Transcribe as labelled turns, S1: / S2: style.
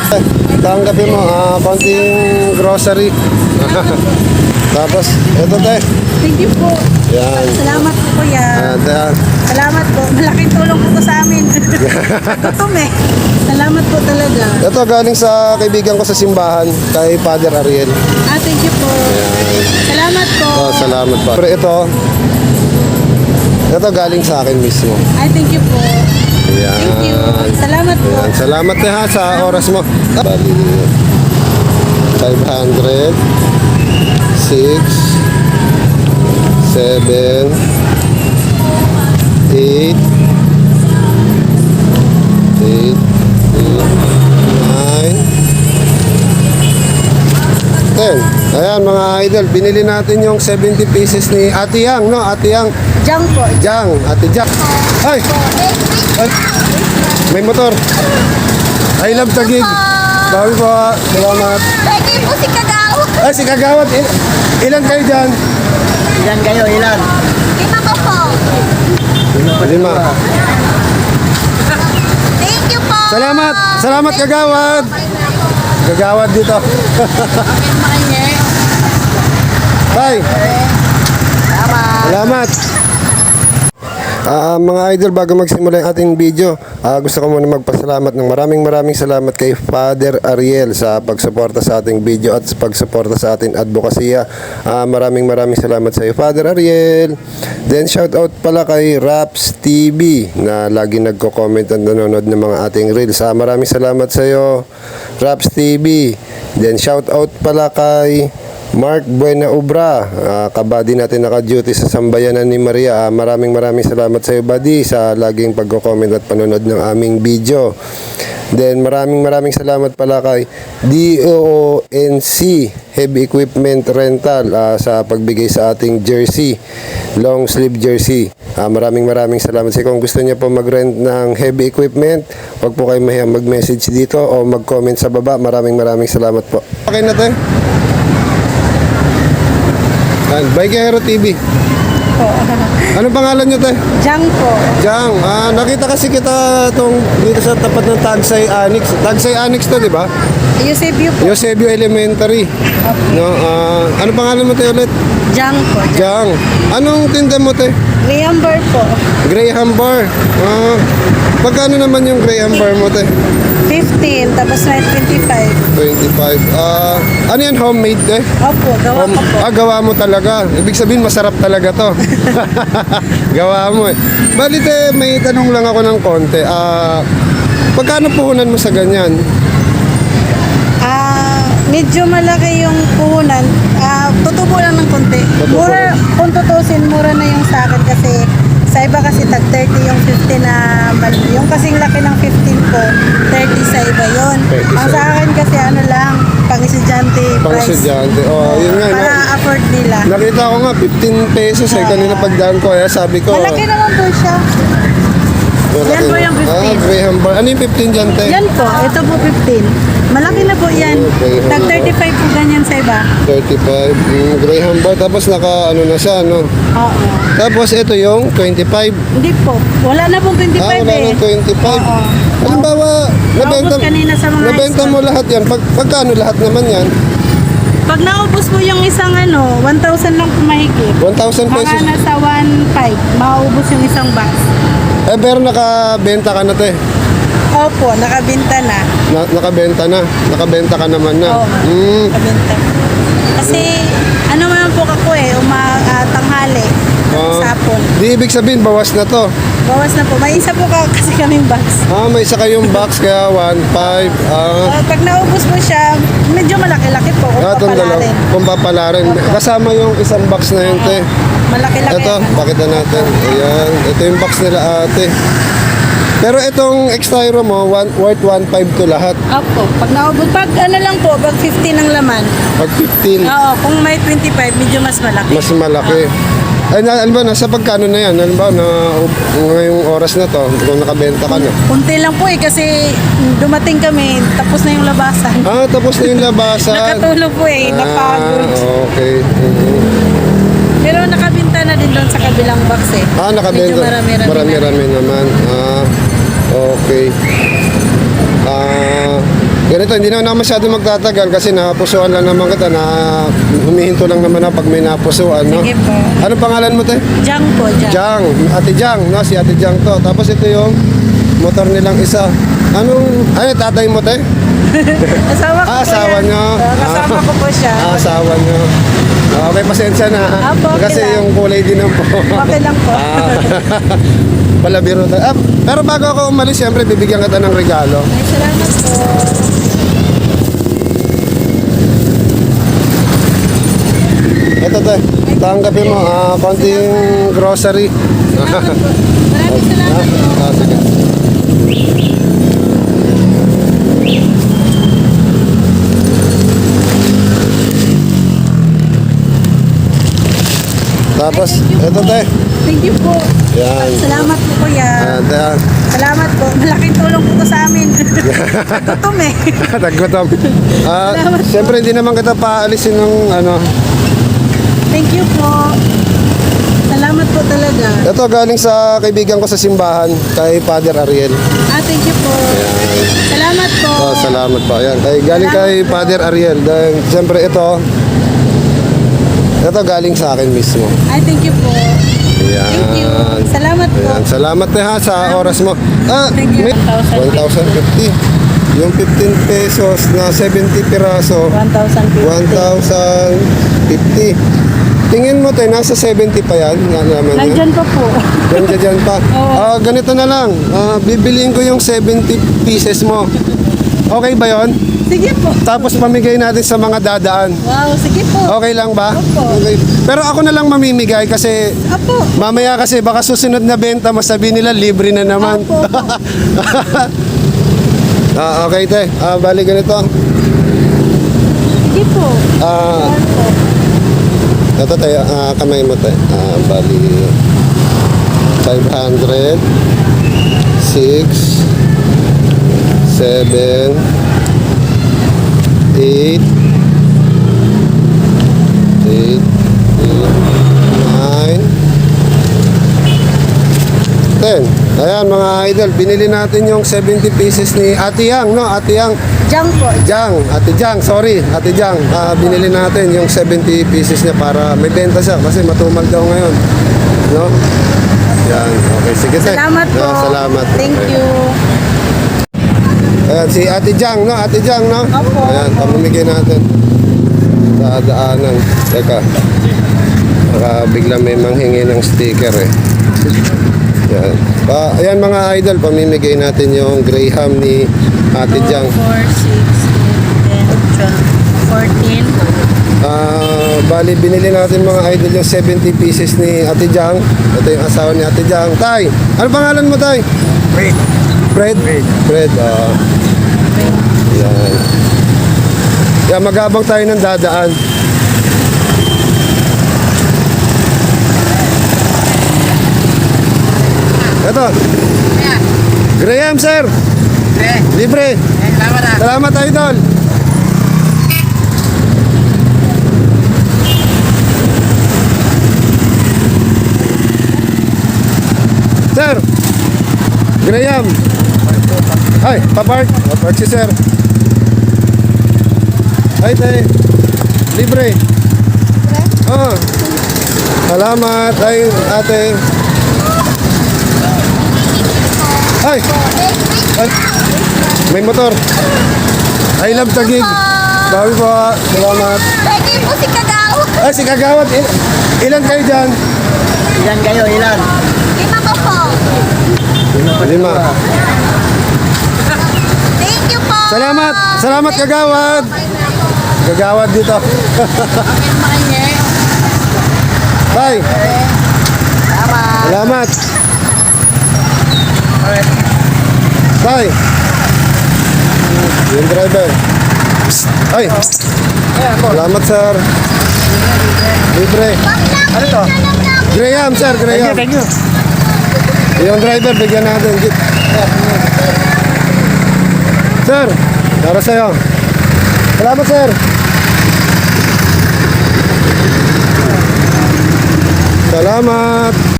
S1: Tanggapin mo, konting grocery. Tapos, ito tayo.
S2: Thank you po.
S1: Yan.
S2: Salamat po kuya.
S1: Yan.
S2: Salamat po. Malaking tulong po to sa amin. Gutom eh. Salamat po talaga.
S1: Ito galing sa kaibigan ko sa simbahan, kay Father Ariel.
S2: Thank you po.
S1: Yan.
S2: Salamat po.
S1: Salamat pa. Pero ito galing sa akin mismo.
S2: Thank you po.
S1: Yan.
S2: Thank you. Salamat po.
S1: Yan. Salamat na ha sa oras mo. Bali, 500, 6, 7, 8, 10. Ayan mga idol, binili natin yung 70 pieces ni Ate Yang, no? Ate Yang.
S2: Jang po.
S1: Jang, Ate Jang. Ay! Ay! May motor. I love Taguig. Dami po. Salamat.
S3: Pwede po si Kagawad.
S1: Ay, si Kagawad. Ilan kayo dyan?
S4: Ilan kayo? Ilan?
S3: 5 ko po.
S1: 5.
S3: Thank you po.
S1: Salamat. Salamat Kagawad. Kagawad dito. Bye. Salamat. Mga idol, bago magsimula yung ating video, gusto ko muna magpasalamat ng maraming salamat kay Father Ariel sa pagsuporta sa ating video at sa pagsuporta sa ating advokasya. Maraming salamat sa iyo, Father Ariel. Then shout out pala kay Raps TV na lagi nagko-comment at nanonood ng mga ating reels. Maraming salamat sa iyo, Raps TV. Then shout out pala kay Mark Buena Obra, kabady natin naka-duty sa Sambayanan ni Maria. Maraming salamat sa iyo, buddy, sa laging pagko-comment at panonood ng aming video. Then maraming salamat pala kay DONC Heavy Equipment Rental sa pagbigay sa ating jersey, long sleeve jersey. Maraming salamat sa iyo. Kung gusto niyo po mag-rent ng heavy equipment, huwag po kayo mahiyang mag-message dito o mag-comment sa baba. Maraming salamat po. Okay na tayo. Bike Hero TV. Anong pangalan nyo tayo?
S2: Jang po.
S1: Jang. Nakita kasi kita dito sa tapat ng Tagsay Annex. Tagsay Annex to, di ba?
S2: Eusebio po.
S1: Eusebio Elementary. No, anong pangalan mo tayo ulit?
S2: Jang po.
S1: Jang. Anong tinda mo tayo?
S2: Graham Bar po.
S1: Graham Bar. Pagkano naman yung Graham Bar mo tayo?
S2: 15, tapos may 25.
S1: 25. Ano yan, homemade eh?
S2: Opo, gawa ko po.
S1: Gawa mo talaga. Ibig sabihin, masarap talaga to. Gawa mo eh. Balit may tanong lang ako ng konti. Pagkano puhunan mo sa ganyan?
S2: Medyo malaki yung puhunan. Tutubo lang ng konti.
S1: Tutubo
S2: Mura, kung tutusin, mura na yung sa akin kasi sa iba kasi tag 30 yung 15 na yung kasing laki ng 15 ko, 30 sa iba yun. Ang sa akin kasi ano lang, pang-estudyante price.
S1: Pang-estudyante. Yun nga.
S2: Para afford nila.
S1: Nakita ko nga, 15 pesos kanina pagdaan ko. Sabi ko.
S2: Malaki naman po siya. Yan po yung 15.
S1: Graham Bar. Ano yung 15 dyan, te?
S2: Yan po, ito po 15. Malaki na po yan. Tag 35 po ganyan sa iba.
S1: 35. Graham Bar. Tapos ano na siya, no?
S2: Oo.
S1: Tapos ito yung 25.
S2: Hindi po. Wala na pong 25
S1: wala
S2: eh.
S1: nang 25.
S2: Oo.
S1: Halimbawa,
S2: Naubos kanina sa mga
S1: nabenta mo lahat yan. Pagkano lahat naman yan?
S2: Pag naubos mo yung isang 1,000 lang mahigit.
S1: 1,000 pesos.
S2: Mga nasa 1,500, maubos yung isang box.
S1: Pero nakabenta ka na, te.
S2: Opo, nakabenta na.
S1: Nakabenta na. Nakabenta ka naman na.
S2: Oo, nakabenta. Kasi, naman po ako tanghali, sapon.
S1: Di ibig sabihin, bawas na to.
S2: Bawas na po. May isa po kasi kaming box.
S1: May isa kayong box, kaya 1,500.
S2: Pag naubos mo siya, medyo malaki-laki po kung papalarin.
S1: Kung papalarin. Kasama yung isang box na yun, te.
S2: Malaki-laki.
S1: Ito, pakita natin. Ayan. Ito yung box nila, ate. Pero itong extra hero mo, worth 1,500 to lahat.
S2: Opo. Pag naubos, pag lang po, pag 15 ang laman.
S1: Pag 15.
S2: Oo, kung may 25, medyo mas malaki.
S1: Mas malaki. Ay, alam ba, nasa pagkano na yan? Alam ba, ngayong oras na to, kung nakabenta ka na?
S2: Kunti lang po kasi dumating kami, tapos na yung labasan.
S1: Tapos na yung labasan.
S2: Nakatulog po napagod.
S1: Okay.
S2: Pero nakabinta na din doon sa kabilang box
S1: Nakabenta.
S2: Medyo marami-rami
S1: naman. Okay. Ganito, hindi naman ako masyado magtatagal kasi napusuan lang naman kita na humihinto lang naman ako pag may napusuan, no?
S2: Sige po.
S1: Anong pangalan mo, te?
S2: Jang po, Jang.
S1: Jang, Ate Jang, no? Si Ate Jang to. Tapos ito yung motor nilang isa. Ano, tatay mo, te?
S2: Asawa ko po
S1: Asawa
S2: yan.
S1: nyo.
S2: Kasama ko po siya.
S1: Asawa nyo. Okay, pasensya na.
S2: Apo, okay
S1: Kasi
S2: lang.
S1: yung kulay din ng po.
S2: Okay lang po.
S1: Palabiro tayo. Pero bago ako umalis, siyempre, bibigyan kita ng regalo.
S2: Ay, salamat po.
S1: Ito, te. Tanggapin mo. Konting grocery.
S2: Maraming salamat po.
S1: Sige. Tapos, ito, te.
S2: Thank you po.
S1: Yan.
S2: Salamat po, kuya. Salamat po. Malaking tulong po to sa amin. Gutom eh.
S1: Naggutom. Siyempre, hindi naman kita paalisin ng ano.
S2: Thank you po. Salamat po talaga.
S1: Ito galing sa kaibigan ko sa simbahan, kay Father Ariel.
S2: Thank you po. Salamat po.
S1: Oh, salamat po. Ayan, galing kay Father Ariel. Dahil, siyempre, ito galing sa akin mismo.
S2: Thank you po.
S1: Ayan.
S2: Thank you. Salamat po.
S1: Ayan. Salamat na ha sa oras mo.
S2: Thank you.
S1: 1,050. Yung 15 pesos na 70 piraso, 1,050. Tingin mo tayo, nasa 70 pa yan. Naman
S2: Nandyan pa po.
S1: Dyan pa. Ganito na lang. Bibiliin ko yung 70 pieces mo. Okay ba yon?
S2: Sige po.
S1: Tapos pamigay natin sa mga dadaan.
S2: Wow, sige po.
S1: Okay lang ba?
S2: Opo.
S1: Okay. Pero ako na lang mamimigay kasi
S2: Apo.
S1: mamaya kasi baka susunod na benta mo sabihin nila libre na naman.
S2: Opo.
S1: Okay, te. Bali ganito.
S2: Sige po.
S1: Ito tayo, kamay mo tayo. Bali 500 6 7 8 8 9 10. Ayan mga idol, binili natin yung 70 pieces ni Ate Yang, no? Ate Yang,
S2: Jang po.
S1: Ate Jang, sorry, Ate Jang. Binili natin yung 70 pieces niya para may benta siya kasi matumal daw ngayon. No? Yan, okay, sige tayo.
S2: Salamat po.
S1: Salamat.
S2: Thank
S1: Okay.
S2: you.
S1: Ayan, si Ate Jang, no? Ate Jang, no?
S2: Opo.
S1: Ayan, pamimigay natin sa daanan. Teka, baka bigla may manghingi ng sticker eh. Yan. Ayan mga idol, pamimigay natin yung Graham ni Ate Jang.
S2: 4, 6, 8, 10, 12, 14.
S1: Bali, binili natin mga idol yung 70 pieces ni Ate Jang. Ito yung asawa ni Ate Jang. Tay, ano pangalan mo, Tay?
S4: Fred.
S1: Fred? Fred, yan. Yan, magabang tayo ng dadaan. Ito. Graham, sir. Libre. Salamat, idol. Sir. Graham. Ay, papark. Papark si sir. Ay, tay. Libre. Oh. Salamat. Ay, ate. Ay. Ay. May motor. I love Taguig. Bawi po. Salamat.
S3: Pwede po si Kagaw.
S1: Ay, si Kagawad. Ilan kayo dyan?
S4: Ilan kayo? Ilan?
S3: 5 po po.
S1: 5.
S3: Thank you po.
S1: Salamat. Salamat, Kagawad. Kagawad dito. Bye. Salamat. Bye. Yung driver. Psst. Ay. Salamat, sir. Libre. Ano to? Graham, sir. Graham.
S4: Thank you.
S1: Yung driver, bigyan natin. Sir, para sa'yo. Salamat, sir. Salamat.